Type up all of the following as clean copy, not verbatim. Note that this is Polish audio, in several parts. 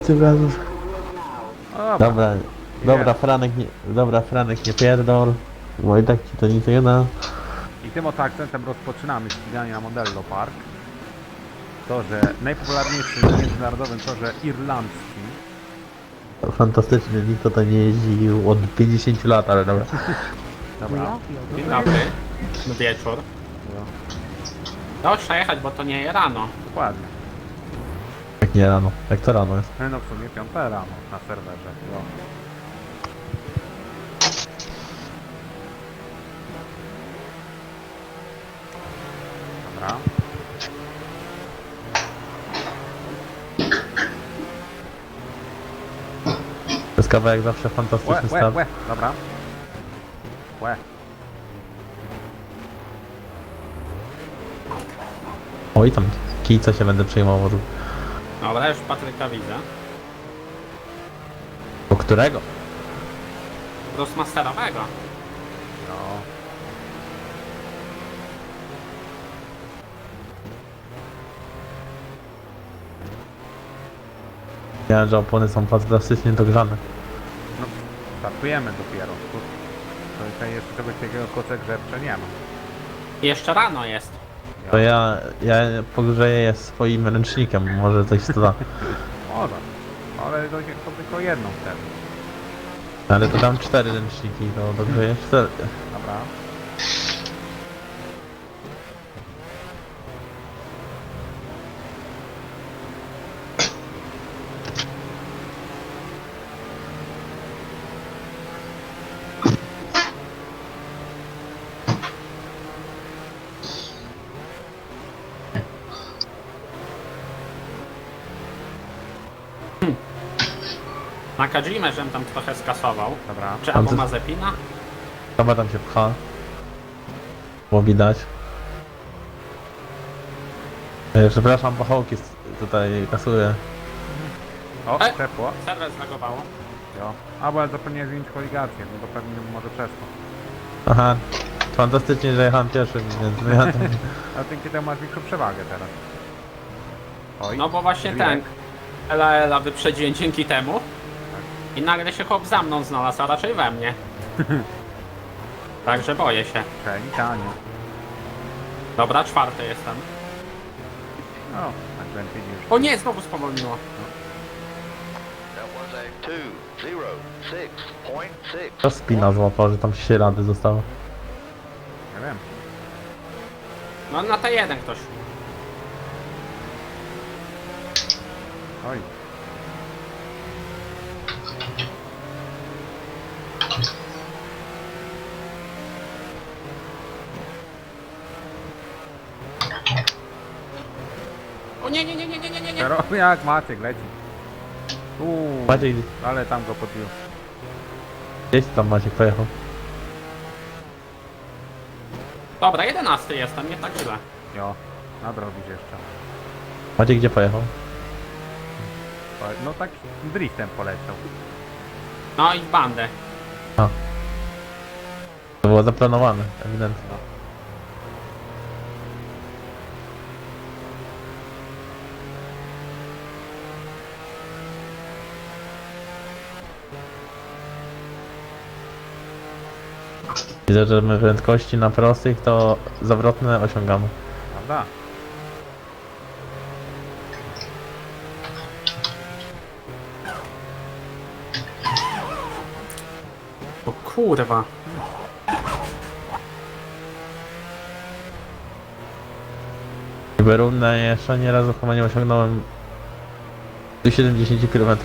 Tym razem. O, Dobra, Franek nie pierdol, bo i tak ci to nic nie da. I tym oto akcentem rozpoczynamy ściganie na Mondello Park. To, że najpopularniejszy na międzynarodowym torze irlandzkim. Fantastycznie, nikt tutaj nie jeździł od 50 lat, ale dobra. Dobra. Dzień dobry. Wieczór. Dobrze jechać, bo to nie rano. Dokładnie. Jak nie rano, jak to rano jest. No w sumie 5 rano na serwerze. Jo. Dobra. To jest kawałek zawsze fantastyczny staw. Dobra. Łe. Oj tam, kijca się będę przejmował. Dobra, już Patryka widzę. Do którego? Grossmasterowego. No. Wiem, że opony są fantastycznie dogrzane. No, startujemy dopiero. To tutaj jeszcze czegoś takiego koce grzewcze nie ma. Jeszcze rano jest. To ja pogrzeję je swoim ręcznikiem, może coś to da. Może. Ale to tylko jedną wtedy. Ale to dam 4 ręczniki, to dogrzeję 4. Dobra. Na Kajimę, żem tam trochę skasował. Dobra. Czy Tam albo ty- Mazepina? Chyba tam się pcha. Było widać. Przepraszam, pachołki tutaj kasuję. O, E! ciepło. Serwer zlagowało. Jo. A, bo ja zapomniałem zmienić koligację, no to pewnie może przez to. Aha, fantastycznie, że jechałem pierwszym, więc ja tam... A dzięki temu masz większą przewagę teraz. Oj. No bo właśnie Żwirek. ten Ela wyprzedziłem dzięki temu. I nagle się chłop za mną znalazł, a raczej we mnie. Także boję się. Okej, tanio. Dobra, czwarty jestem. No, tak będzie widzisz. O nie, znowu spowolniło. That was a 206.6. To spina złapał, że tam ślady zostało. Nie wiem. No na T1 ktoś. Oj. O nie, nie, nie, nie, nie, nie, nie, nie. Teraz jak Maciek leci. Maciek, Ale tam go podbił. gdzieś tam Maciek pojechał. Dobra, 11 jestem, nie tak źle. Jo, nadrobić jeszcze. Maciek gdzie pojechał? No tak driftem poleciał. No i w bandę. To było zaplanowane, ewidentnie. Widzę, że my prędkości na prostych to zawrotne osiągamy. Prawda? O kurwa. Berunę jeszcze nie razu chyba nie osiągnąłem 70 km.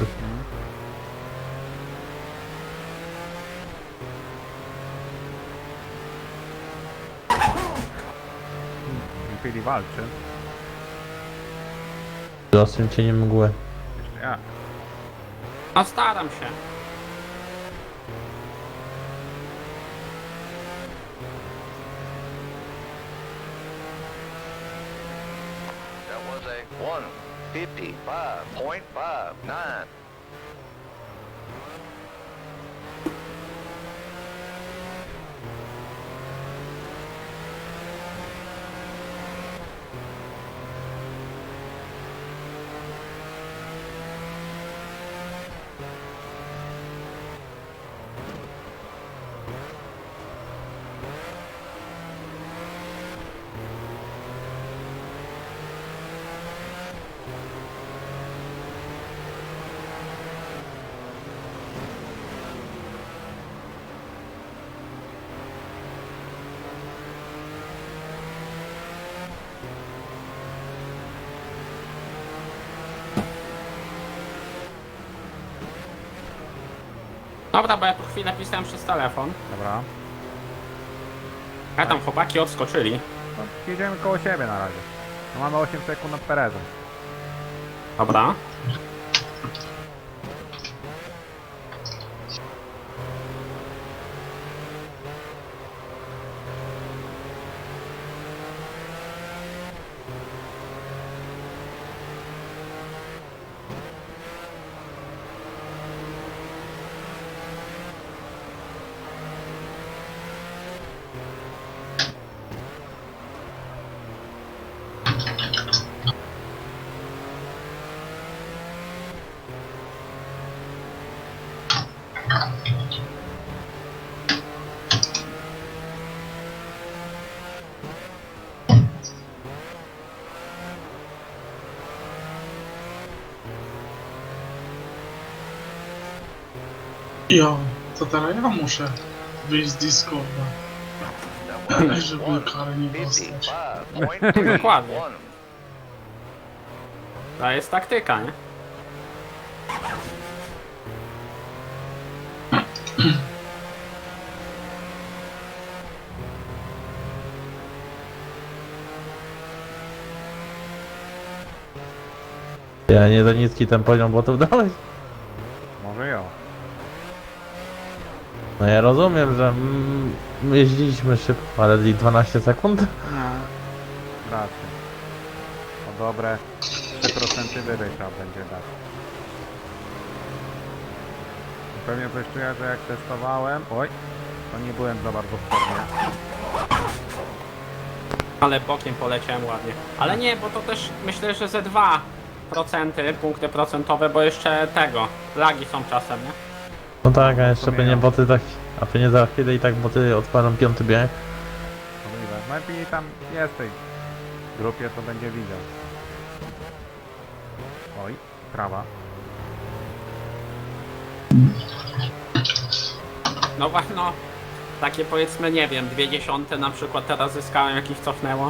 Impili walczy. Z ostrym cieniem mgły. Jeszcze ja. No staram się. That was a 155.59. Dobra, bo ja tu chwilę pisałem przez telefon. Dobra. A tam chłopaki odskoczyli. No, jedziemy koło siebie na razie. No, mamy 8 sekund nad Perezem. Dobra. Jo, to teraz ja muszę wyjść z Discorda, That was żeby one kary nie dostać. 55.31. Dokładnie. To jest taktyka, nie? Ja nie za niski ten poziom botów dałeś? Może jo. No ja rozumiem, że jeździliśmy szybko, ale i 12 sekund? No. Raczej. O dobre 3% wyżej trzeba będzie dać. Pewnie coś czuję, że jak testowałem... Oj, to nie byłem za bardzo w formie. Ale bokiem poleciałem ładnie. Ale nie, bo to też myślę, że ze 2% punkty procentowe, bo jeszcze tego, lagi są czasem, nie? No tak, a jeszcze by nie Rozumiem. boty tak, a pewnie za chwilę i tak boty odpalą piąty bieg. Możliwe. Najpierw tam jest w tej grupie, to będzie widział. Oj, prawa. No właśnie, no. Takie powiedzmy, nie wiem, 0,2 na przykład teraz zyskałem, jakich cofnęło.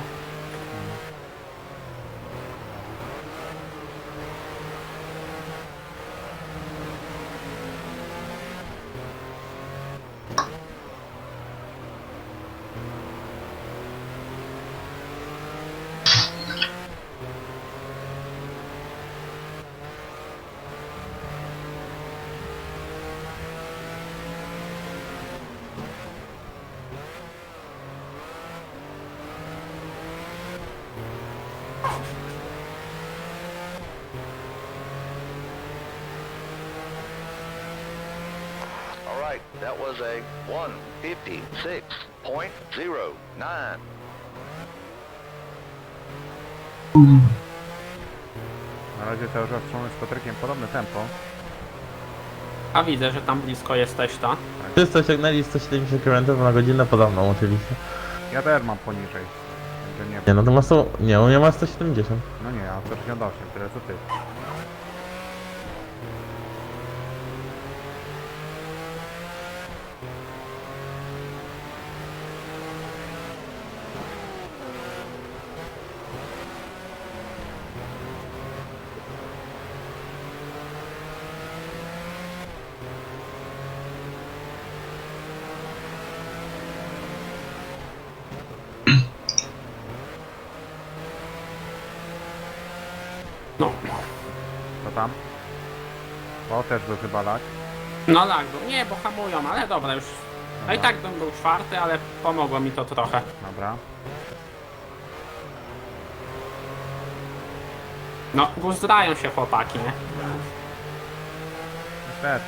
All right, that was a 156.09. Na razie cały czas trzymamy z Patrykiem podobne tempo. A widzę, że tam blisko jesteś, ta. Wszyscy osiągnęli 170 km na godzinę poza mną oczywiście. Ja też mam poniżej. Także nie Nie, wiem. no to masz to, nie, u mnie ma 170. No nie, ja 168, tyle co ty. No. Co tam? O, też był chyba lag. No lag był. Nie, bo hamują, ale dobra już. No i tak bym był czwarty, ale pomogło mi to trochę. Dobra. No, guzdrają się chłopaki, nie? Niestety.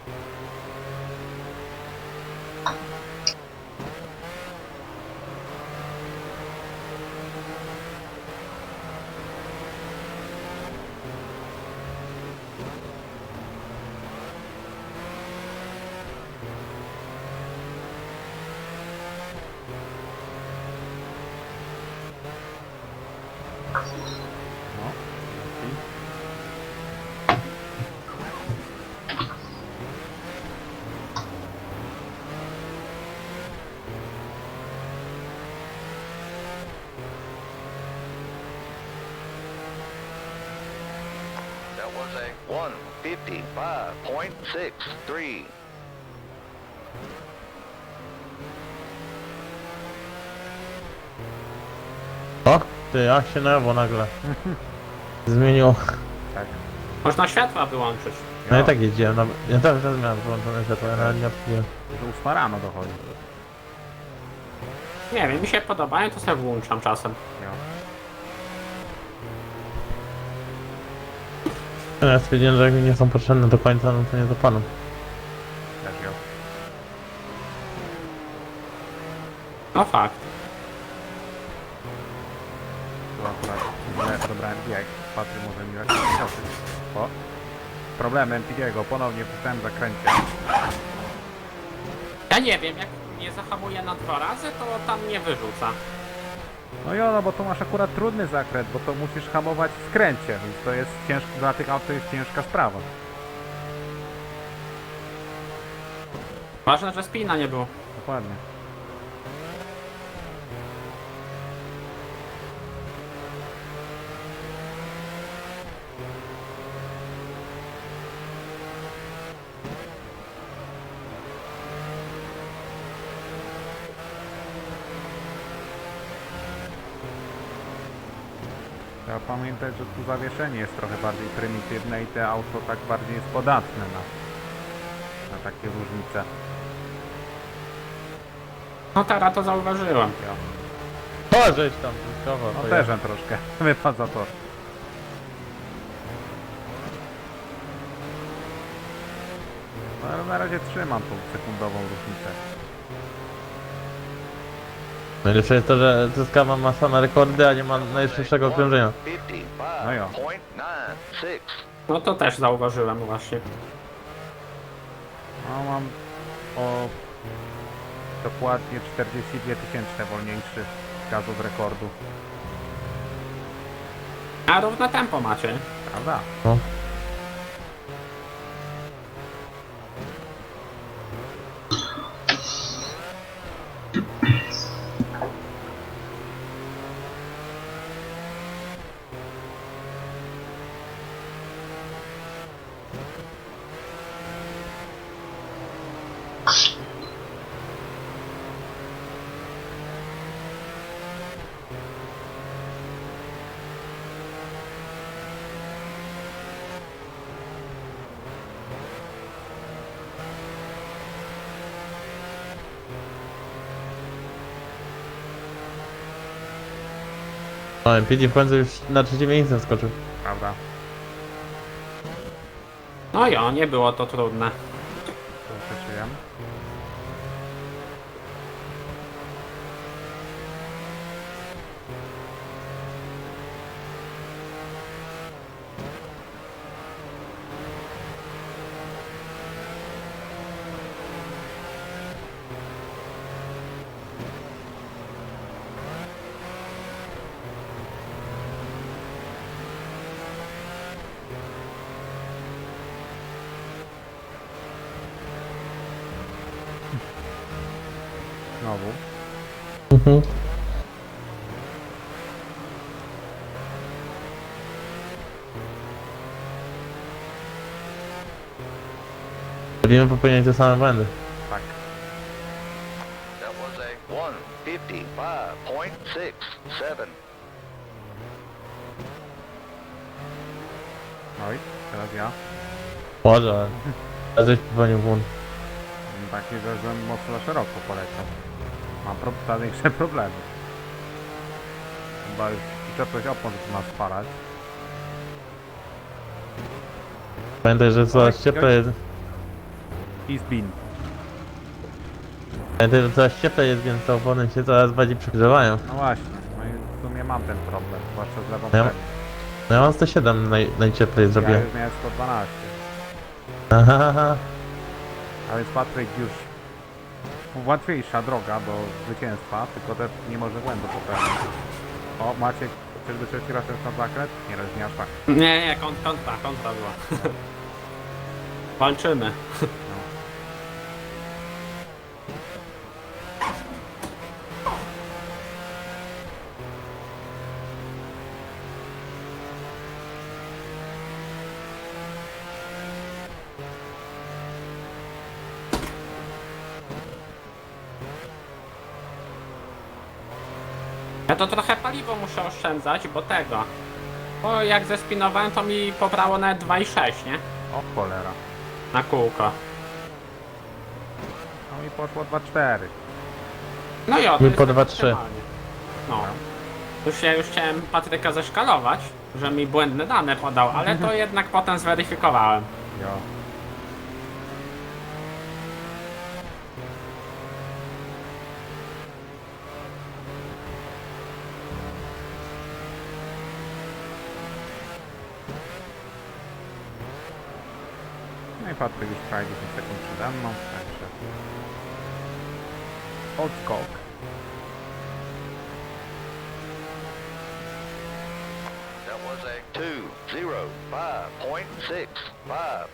No, i That was a 155.63. O, ty, jak się nerwo nagle zmieniło. Tak. Można światła wyłączyć. No i tak jeździłem, no, ja też miałem wyłączone światło, ja nawet nie odpaliłem. Że 8 rano dochodzi. Nie wiem, mi się podobają, to sobie włączam czasem. Jo. Ja stwierdziłem, że jak mi nie są potrzebne do końca, no to nie zapalam. Też jo. No fakt. Tu akurat źle dobrałem bieg. Patry może mi jakiś skoczyć. O! Problemem Pidiego, ponownie w tym zakręcie. Ja nie wiem, jak nie zahamuję na 2 razy, to tam nie wyrzuca. No jo, no bo tu masz akurat trudny zakręt, bo to musisz hamować w skręcie, więc to jest ciężko, dla tych aut to jest ciężka sprawa. Ważne, że spina nie było. Dokładnie. Trzeba pamiętać, że tu zawieszenie jest trochę bardziej prymitywne i te auto tak bardziej jest podatne na takie różnice. No teraz to zauważyłem. Jo. O, żeś tam, wyskowo. No też troszkę wypadł za tor. No, ale na razie trzymam tą sekundową różnicę. Najlepsze jest to, że zyskała ma same rekordy, a nie ma najszybszego okrążenia. 55.96. No jo. No to też zauważyłem właśnie. No mam o dokładnie 42 tysięczne wolniejszy gaz od rekordu. A równe tempo macie. Prawda? No. No, MPD w końcu już na trzecie miejsce skoczył. Prawda? No jo, nie było to trudne. To przeczyłem. Znowu. Mhm. Będziemy popełniać te same błędy. Tak. That was a 155.67. Oj, teraz ja. Może, ale żeś popełnił błąd. Taki, że mocno szeroko poleciał. Mam większe problemy. Chyba już przyczepność opon zaczyna spalać. Pamiętaj, że coraz Oj, cieplej jest. I zbin. Pamiętaj, że coraz cieplej jest, więc te opony się coraz bardziej przegrzewają. No właśnie, no i w sumie mam ten problem, zwłaszcza z lewą Ja- premią. No ja mam 107 najcieplej Ja zrobiłem. już miałem 112. Aha, A więc Patryk już łatwiejsza droga do zwycięstwa, tylko też nie może błędu popełnić. O, Maciek, czyżby trzeci raz jest na zakręt? Nie, nie aż tak. Nie, kontra była. Walczymy. Ja to trochę paliwo muszę oszczędzać, bo tego. Bo jak zespinowałem, to mi pobrało nawet 2,6, nie? O cholera. Na kółko. No i poszło 2,4. No i o, to Mi jest po tak 2,3. optymalnie. No. Ja już chciałem Patryka zeszkalować, że mi błędne dane podał, ale to jednak potem zweryfikowałem. Jo. No i Patryk już prawie 10 sekund przede mną, także... Odskok. That was a 2:05.65.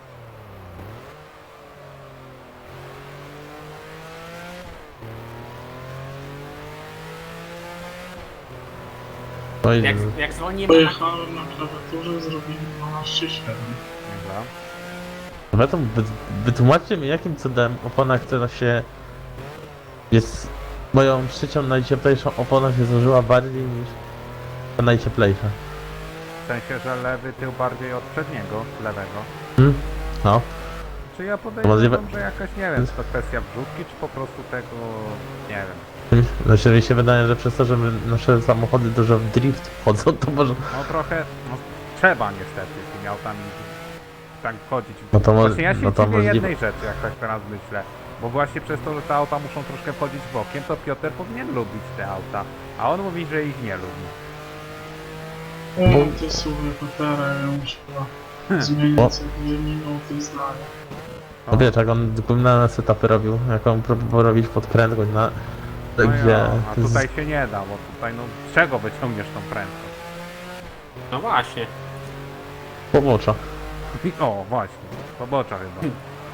Oj, Jak zwolnimy... Pojechałem na klawiaturze, zrobiłem 12,7. Dobra. Dobra, to wytłumaczcie mi, jakim cudem opona, która się jest moją trzecią najcieplejszą opona się zużyła bardziej niż ta najcieplejsza. W sensie, że lewy tył bardziej od przedniego, lewego. No. Czy ja podejrzewam, Możliwe. że jakaś, nie wiem, czy to kwestia wrzutki, czy po prostu tego, nie wiem. Znaczy mi się wydaje, że przez to, że nasze samochody dużo w drift wchodzą, to może... No trochę, no trzeba niestety tymi autami tak wchodzić. No to Właśnie ja się no to dziwię możliwe. jednej rzeczy, jak tak teraz myślę. Bo właśnie przez to, że te auta muszą troszkę wchodzić bokiem, to Piotr powinien lubić te auta. A on mówi, że ich nie lubi. O, ty słuchaj, Patera, ja muszę chyba zmieniać co 2 minuty zdania. No wiesz, jak on na setupy robił, jak on próbował robić pod prędkość na... No gdzie... ja, a tutaj się nie da, bo tutaj no z czego wyciągniesz tą prędkość? No właśnie. Pobocza. O, właśnie, pobocza chyba.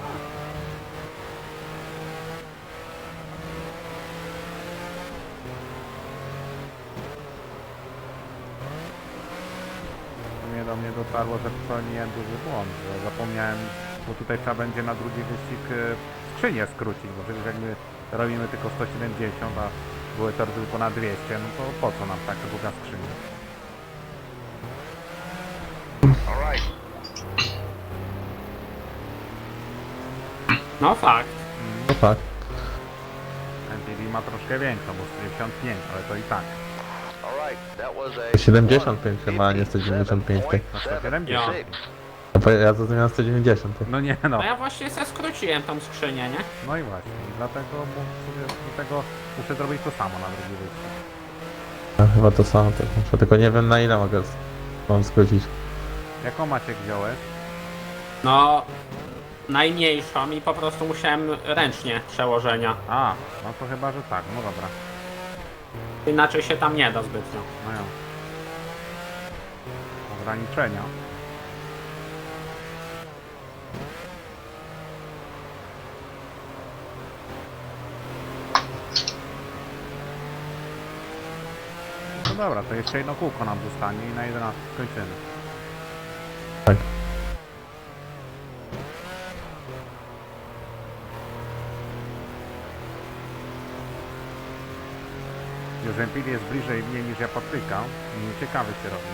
Do mnie dotarło, że popełniłem duży błąd, że zapomniałem, bo tutaj trzeba będzie na drugi wyścig skrzynię skrócić, bo przecież jak my robimy tylko 170, a były tory tylko na 200, no to po co nam taka długa skrzynia? Alright. No fakt. No tak. MPV ma troszkę większą, bo 195, ale to i tak. Alright, that was a 75 chyba, a nie 195. No 170. No bo ja zrozumiałem 190. No nie no. No ja właśnie se skróciłem tą skrzynię, nie? No i właśnie, i dlatego muszę zrobić to samo na drugi wyścig. Ja chyba to samo, tak muszę, tylko nie wiem na ile mam skrócić. Jaką Maciek wziąłeś? No... Najmniejszą i po prostu musiałem ręcznie przełożenia. A, no to chyba, że tak, no dobra. Inaczej się tam nie da zbytnio. No ja. Ograniczenia. No dobra, to jeszcze jedno kółko nam zostanie i na 11 skończymy. Tak. Już Empil jest bliżej mnie niż ja Patryka. I ciekawy się robi.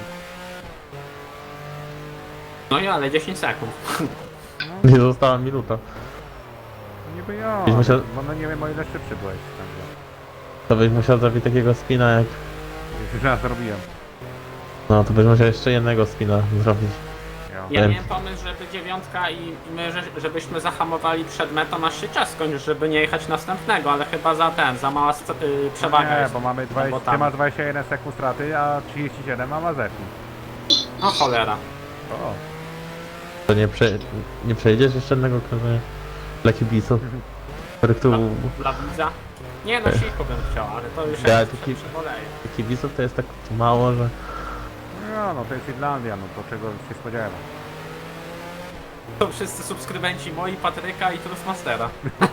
No i ale 10 sekund. Nie została minuta. No niby ja, Byś musiał- bo no nie wiem o ile szybszy byłeś. Także. To byś musiał zrobić takiego spina jak... Już raz zrobiłem. No to byś musiał jeszcze jednego spina zrobić. Jo. Ja Wiem. miałem pomysł, żeby 9 i my, żebyśmy zahamowali przed metą, aż się czas skończy, żeby nie jechać następnego, ale chyba za mała przewaga Nie, jest. bo mamy 20, bo ty tam. masz 21 sekund straty, a 37 ma Mazepin. No cholera. O, To nie przejdziesz jeszcze jednego krążenia dla kibiców, których tu... Dla widza? Nie no, siku bym chciał, ale to już Ja jak taki- przeboleję. Kibiców to jest tak mało, że... no to jest Irlandia, no to czego się spodziewa. To wszyscy subskrybenci moi, Patryka i Trustmastera.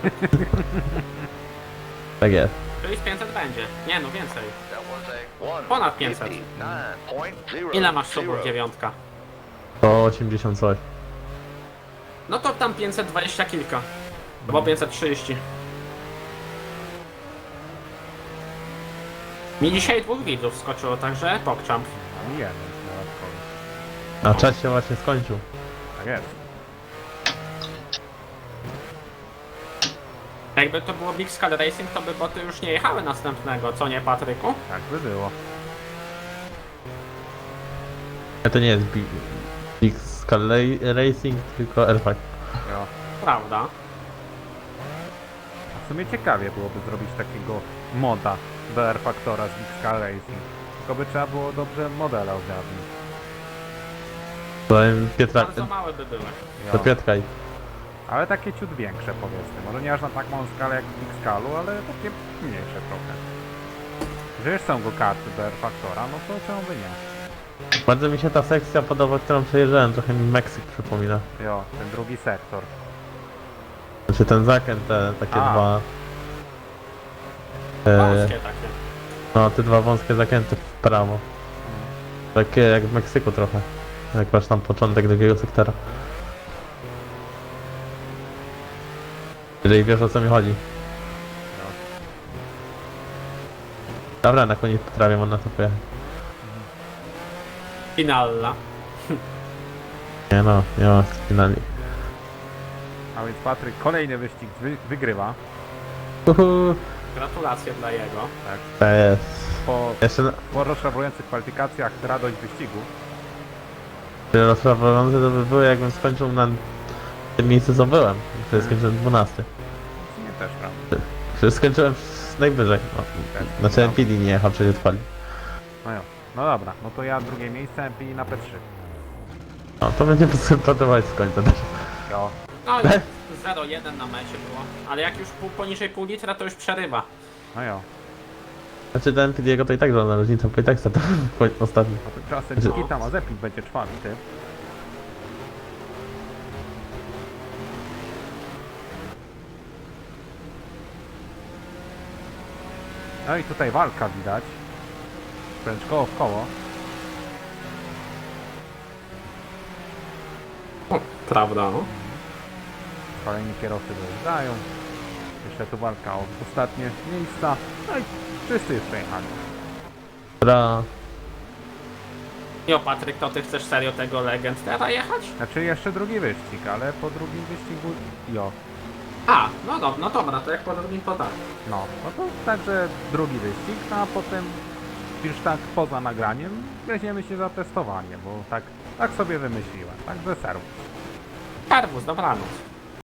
Tak jest. Czyli z 500 będzie. Nie no, więcej. That was a Ponad 500. 1:59.0. Ile masz subów 9? To 80 coś. No to tam 520 kilka. Bo 530. Mi dzisiaj 2 widzów skoczyło, także pokczam. A mi jeden dodatkowy. A czas się właśnie skończył. Tak jest. Jakby to było Big Skull Racing, to by boty już nie jechały następnego, co nie, Patryku? Tak by było. Ale to nie jest Big Skull Racing, tylko R5. Jo. Prawda. A w sumie ciekawie byłoby zrobić takiego moda do R-Factora z Big Skull Racing. Tylko by trzeba było dobrze modele ogarnąć. Powiem Pietra, Bardzo małe by były. do Piotrka i Ale takie ciut większe powiedzmy. Może nie aż na tak małą skalę jak w Big Skullu, ale takie mniejsze trochę. Że już są go karty do R-Factora, no to czemu by nie? bardzo mi się ta sekcja podoba, którą przejeżdżałem, trochę mi Meksyk przypomina. Jo, ten drugi sektor. Znaczy ten zakręt, te takie A. dwa... Wąskie takie. No, te dwa wąskie zakręty w prawo. Takie jak w Meksyku trochę. Jak masz tam początek drugiego sektora. Jeżeli wiesz, o co mi chodzi. Dobra, na koniec potrafię, można to pojechać. Finalla. Nie no, nie ma finali. A więc Patryk kolejny wyścig wygrywa. Uhu, Gratulacje dla jego. Tak. to jest. Po, Jeszcze po rozczarowujących kwalifikacjach radość wyścigu. rozprawiające to by było, jakbym skończył na tym miejscu, co byłem. Wtedy skończyłem 12. Nie też, prawda? Wtedy skończyłem najwyżej. No, znaczy MPD nie jechał, przecież odpalił. No jo. No dobra, no to ja drugie miejsce MP na P3. No, to będzie podobać z końca też. Jo. No i 0,1 na mecie było. Ale jak już poniżej pół litra, to już przerywa. No jo. Znaczy ten MPD'ego to i tak żadna różnica, bo i tak to ostatni. No to czasem Nikita Mazepin będzie czwarty. No i tutaj walka widać. Wręcz koło w koło. Prawda, no. Kolejni kierowcy dojeżdżają. Jeszcze tu walka o ostatnie miejsca. No i wszyscy już przejechali. Dobra, Jo, Patryk, to ty chcesz serio tego Legend teraz jechać? Znaczy jeszcze drugi wyścig, ale po drugim wyścigu... Jo. A, no dobra, to jak po drugim to tak. No to także drugi wyścig, no a potem już tak poza nagraniem weźmiemy się za testowanie, bo tak sobie wymyśliłem. Także serwus. Serwus, dobranoc.